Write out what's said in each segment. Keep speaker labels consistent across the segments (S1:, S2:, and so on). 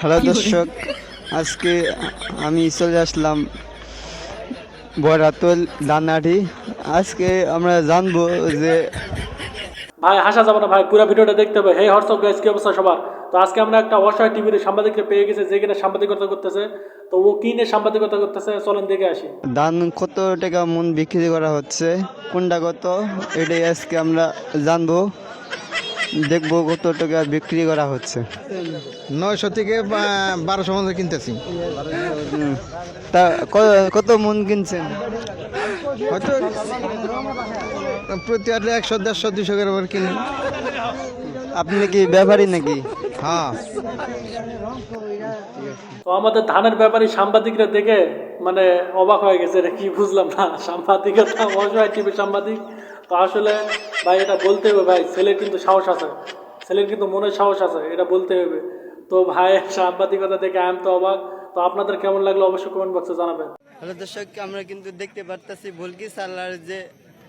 S1: Hello দর্শক, আজকে আমি চলে আসলাম বরাতল দানাটি। আজকে আমরা জানবো যে
S2: ভাই হাসা যাবে না ভাই, পুরো ভিডিওটা দেখতে হবে। হে হোয়াটসঅ্যাপ গাইস, কি অবস্থা সবার? তো আজকে আমরা একটা অসহায় টিভির সাংবাদিককে পেয়ে গেছে, যে কিনা সাংবাদিকতা করতেছে। তো ও কি নিয়ে সাংবাদিকতা করতেছে, চলেন দেখে আসি।
S1: ধান কত টাকা মন বিক্রি করা হচ্ছে, কোনটা কত, এটাই আজকে আমরা জানবো, দেখবো কত টাকা বিক্রি করা হচ্ছে।
S3: 900 থেকে 1200 মধ্যে কিনতেছি।
S1: তা কত মন কিনছেন?
S3: হয়তো প্রতি আটলে 100, 150, 200 করে কিনি।
S1: আপনি কি ব্যাপারী নাকি?
S3: হ্যাঁ,
S2: তো আমাদের ধানের ব্যাপারী সাংবাদিকরা দেখে মানে অবাক হয়ে গেছে, এটা কি বুঝলাম না। সাংবাদিকতা অসহায় টিভির সাংবাদিক। তো আসলে ভাই এটা বলতে হবে ভাই, ছেলের কিন্তু সাহস আছে, ছেলের কিন্তু মনের সাহস আছে, এটা বলতে হবে। তো ভাই সাংবাদিকতা দেখে আমি তো অবাক। তো আপনাদের কেমন লাগলো অবশ্যই কমেন্ট বক্সে জানাবেন।
S1: হ্যালো দর্শক, আমরা কিন্তু দেখতে পারতেছি ভুলকি সালার যে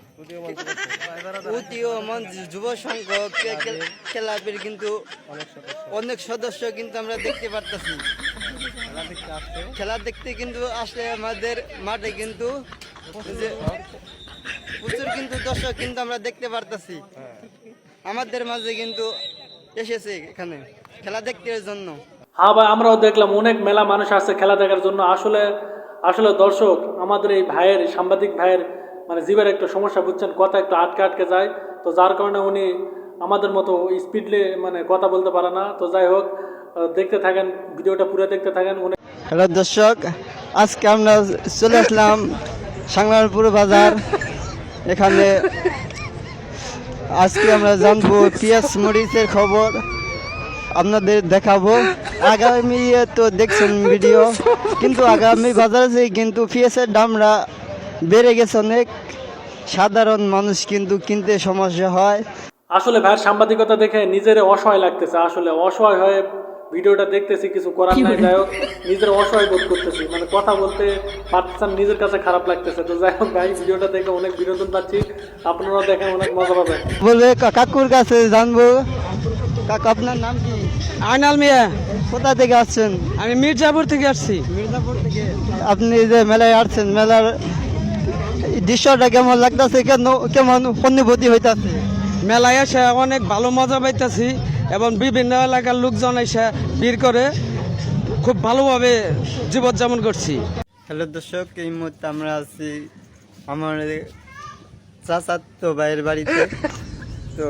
S1: উদীয়মান যুব সংঘ ক্লাবের কিন্তু অনেক সদস্য কিন্তু আমরা দেখতে পারতেছি। খেলা দেখতে কিন্তু আসলে আমাদের মাঠে কিন্তু যে প্রচুর কিন্তু দর্শক কিন্তু আমরা দেখতে পারতেছি। আমাদের মাঝে কিন্তু এসেছে এখানে খেলা দেখতে জন্য।
S2: হ্যাঁ ভাই, আমরাও দেখলাম অনেক মেলা মানুষ আসছে খেলা দেখার জন্য। আসলে আসলে দর্শক, আমাদের এই ভাইয়ের, সাংবাদিক ভাইয়ের মানে জীবের একটা সমস্যা, বুঝছেন, কথা একটু আটকে আটকে যায়। তো যার কারণে উনি আমাদের মতো স্পিডলি মানে কথা বলতে পারে না। তো যাই হোক, দেখতে থাকেন ভিডিওটা, পুরো দেখতে থাকেন।
S1: হ্যালো দর্শক, আজকে আমরা চলে আসলাম সাংলারপুর বাজার। এখানে আজকে আমরা জানবো পেঁয়াজ মরিচের খবর, আপনাদের দেখাবো। আগামী তো দেখছেন ভিডিও, কিন্তু আগামী বাজারে কিন্তু পেঁয়াজের দামরা বেড়ে গেছে অনেক। সাধারণ মানুষ কিন্তু কিনতে সমস্যা হয়।
S2: আসলে ভাইয়ের সাংবাদিকতা দেখে নিজের অসহায় লাগতেছে। আসলে অসহায় হয়ে ভিডিওটা দেখতেছি, কিছু করার নাই। যাই হোক, নিজের অসহায় বোধ করতেছি, মানে কথা বলতে পারতেছেন, নিজের কাছে খারাপ লাগতেছে। তো যাই হোক ভাই, ভিডিওটা দেখে অনেক বিনোদন পাচ্ছি, আপনারা দেখেন, অনেক মজা পাবেন।
S1: বলবে কাকুর কাছে জানবো। কাকু, আপনার নাম কি?
S4: আইনাল মিয়া।
S1: কোথা থেকে আসছেন?
S4: আমি মির্জাপুর থেকে আসছি।
S1: মির্জাপুর থেকে। আপনি যে মেলায় আসছেন, মেলার দৃশ্যটা কেমন লাগতেছে, কেমন অনুভূতি হইতাছে?
S4: মেলায় এসে অনেক ভালো মজা পাইতেছি এবং বিভিন্ন এলাকার লোকজন এসে ভিড় করে খুব ভালোভাবে জীবনযাপন করছি।
S1: হ্যালো দর্শক, এই মুহূর্তে আমরা আছি আমার চাচাতো ভাইয়ের বাড়িতে। তো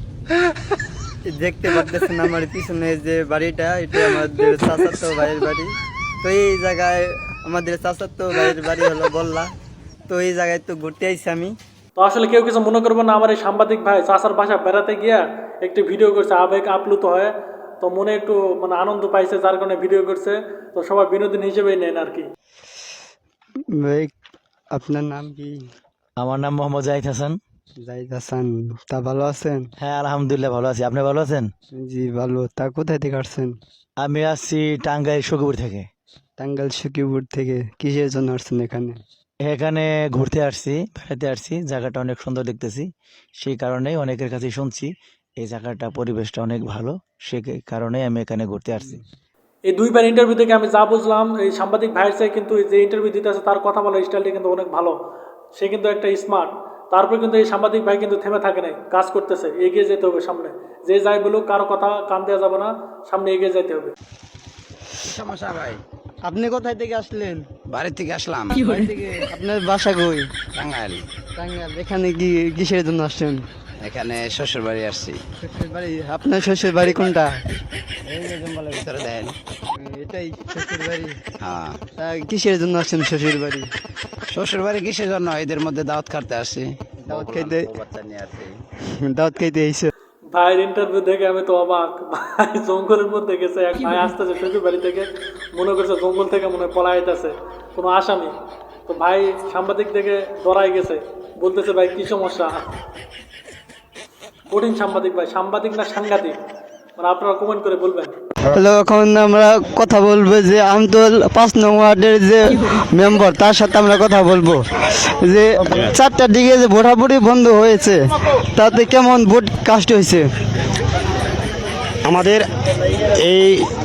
S1: দেখতে পাচ্ছেন আমার পিছনে যে বাড়িটা, এটা আমাদের চাচাতো ভাইয়ের বাড়ি। তো এই জায়গায় আমাদের চাচাতো ভাইয়ের বাড়ি হলো বললা। তো এই জায়গায় তো ঘুরতে আইছি আমি।
S2: তো আসলে কেউ কিছু মনে করবো না, আমার এই সাংবাদিক ভাই চাচার বাসা বেড়াতে গিয়া একটি ভিডিও করছে, আবেগ আপ্লুত হয়ে। তো মনে একটু মানে আনন্দ পাইছে, যার কারণে ভিডিও করছে। তো সবাই বিনোদন হিসেবেই নেন আর কি।
S1: ভাই, আপনার নাম কি?
S5: আমার নাম মোহাম্মদ জাহিদ হাসান।
S1: জাহিদ হাসান। তা ভালো আছেন?
S5: হ্যাঁ, আলহামদুলিল্লাহ ভালো আছি। আপনি ভালো আছেন?
S1: জি ভালো। তা কোথায় থেকে আসছেন?
S5: আমি আসছি টাঙ্গাইল সখীপুর থেকে।
S1: টাঙ্গাইল সখীপুর থেকে। কিসের জন্য আসছেন এখানে?
S5: এখানে ঘুরতে আসছি, বেড়াতে আসছি। জায়গাটা অনেক সুন্দর দেখতেছি, সেই কারণেই অনেকের কাছে শুনছি এই জায়গাটা, পরিবেশটা অনেক ভালো, সে কারণেই আমি এখানে ঘুরতে আসছি।
S2: এই দুইবার ইন্টারভিউ থেকে আমি যা বুঝলাম, এই সাংবাদিক ভাইয়ের চাই কিন্তু যে ইন্টারভিউ দিতে আছে তার কথা বলার স্টাইলটা কিন্তু অনেক ভালো। সে কিন্তু একটা স্মার্ট। তারপর কিন্তু এই সাংবাদিক ভাই কিন্তু থেমে থাকে নাই, কাজ করতেছে, এগিয়ে যেতে হবে সামনে। যে যাই বলুক, কারো কথা কান দেওয়া যাবে না, সামনে এগিয়ে যেতে হবে।
S3: সমস্যা ভাই।
S1: আপনি কোথায় থেকে আসলেন?
S3: বাড়ি থেকে আসলাম।
S1: বাড়ি থেকে। আপনার বাসা কই?
S3: টাঙ্গাইল।
S1: টাঙ্গাইল। এখানে কি কিসের জন্য আসছেন?
S3: এখানে শ্বশুর বাড়ি আসছি।
S1: শ্বশুর বাড়ি? আপনার শ্বশুর বাড়ি কোনটা?
S3: এই যে জঙ্গলের ভিতরে দেন।
S1: এটাই শ্বশুর বাড়ি?
S3: হ্যাঁ।
S1: তা কিসের জন্য আসছেন শ্বশুর বাড়ি?
S3: শ্বশুর বাড়ি কিসের জন্য? এদের মধ্যে দাওয়াত খাইতে আসছি।
S1: দাওয়াত খাইতে?
S3: বাচ্চা নিয়ে আসছি।
S1: দাওয়াত খাইতে এসে?
S2: ভাইয়ের ইন্টারভিউ দেখে আমি তো অবাক। ভাই জঙ্গলের মধ্যে গেছে, এক ভাই আসতেছে শ্বশুর বাড়ি থেকে, মনে করছে জঙ্গল থেকে মনে হয় পলাইতেছে কোনো আসামি। তো ভাই সাংবাদিক দেখে ডরাই গেছে, বলতেছে ভাই কি সমস্যা। কঠিন সাংবাদিক ভাই, সাংবাদিক না সাংঘাতিক, মানে আপনারা কমেন্ট করে বলবেন।
S1: হ্যালো, এখন আমরা কথা বলবো যে আমতল 5 নং ওয়ার্ডের যে মেম্বার, তার সাথে আমরা কথা বলবো যে 4টার দিকে যে ভোটাভুটি বন্ধ হয়েছে, তাতে কেমন ভোট কাস্ট হয়েছে?
S6: আমাদের এই